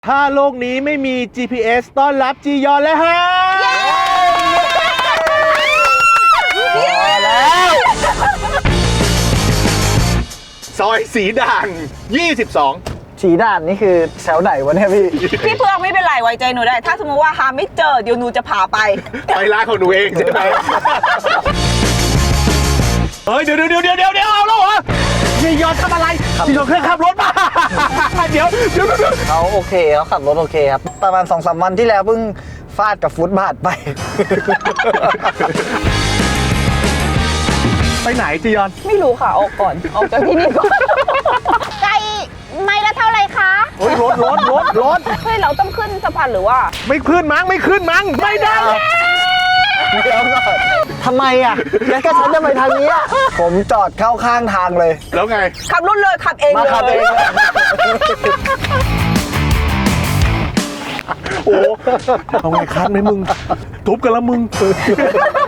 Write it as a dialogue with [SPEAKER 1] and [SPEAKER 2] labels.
[SPEAKER 1] ถ้าโลกนี้ไม่มี GPS ต้อนรับจียอนแล้วฮะแล้วซอยสีด่าง22
[SPEAKER 2] สีด่านนี่คือแถวไหนวะเนี่ยพี่
[SPEAKER 3] พี่เพื่องไม่เป็นไรไว้ใจหนูได้ ถ้าสมมติว่าหาไม่เจอเดี๋ยวหนูจะพาไป
[SPEAKER 1] ไปร้านของหนูเองใช่ไหมเฮ้ยเดี๋ยวเอาแล้วเหรอจียอนทำอะไรจียอนเครื่องขับรถมาเดี๋ยว
[SPEAKER 2] เขาโอเคเขาขับรถโอเคครับ ประมาณ 2-3 วันที่แล้วเพิ่งฟาดกับฟุตบาทไป
[SPEAKER 1] ไปไหนจียอน
[SPEAKER 3] ไม่รู้ค่ะ ออกก่อน ออกจากที่นี่ก่อน
[SPEAKER 4] ไก่ไม่ละเท่าไหร่คะ
[SPEAKER 1] โอ้ยรถ
[SPEAKER 3] เฮ้ย เราต้องขึ้นสะพานหรือว่า
[SPEAKER 1] ไม่ขึ้นมั้งไม่ได้
[SPEAKER 2] เดี๋ยวก่อนทำไมอ่ะแล้วก็ฉันจะไปทางนี้อะผมจอดเข้าข้างทางเลย
[SPEAKER 1] แล้วไง
[SPEAKER 3] ขับรถเลยขับเอง
[SPEAKER 2] มา
[SPEAKER 3] เลย
[SPEAKER 2] ขับเองเลย
[SPEAKER 1] โอ้เอาไงคันไหมมึงทุบกันแล้วมึง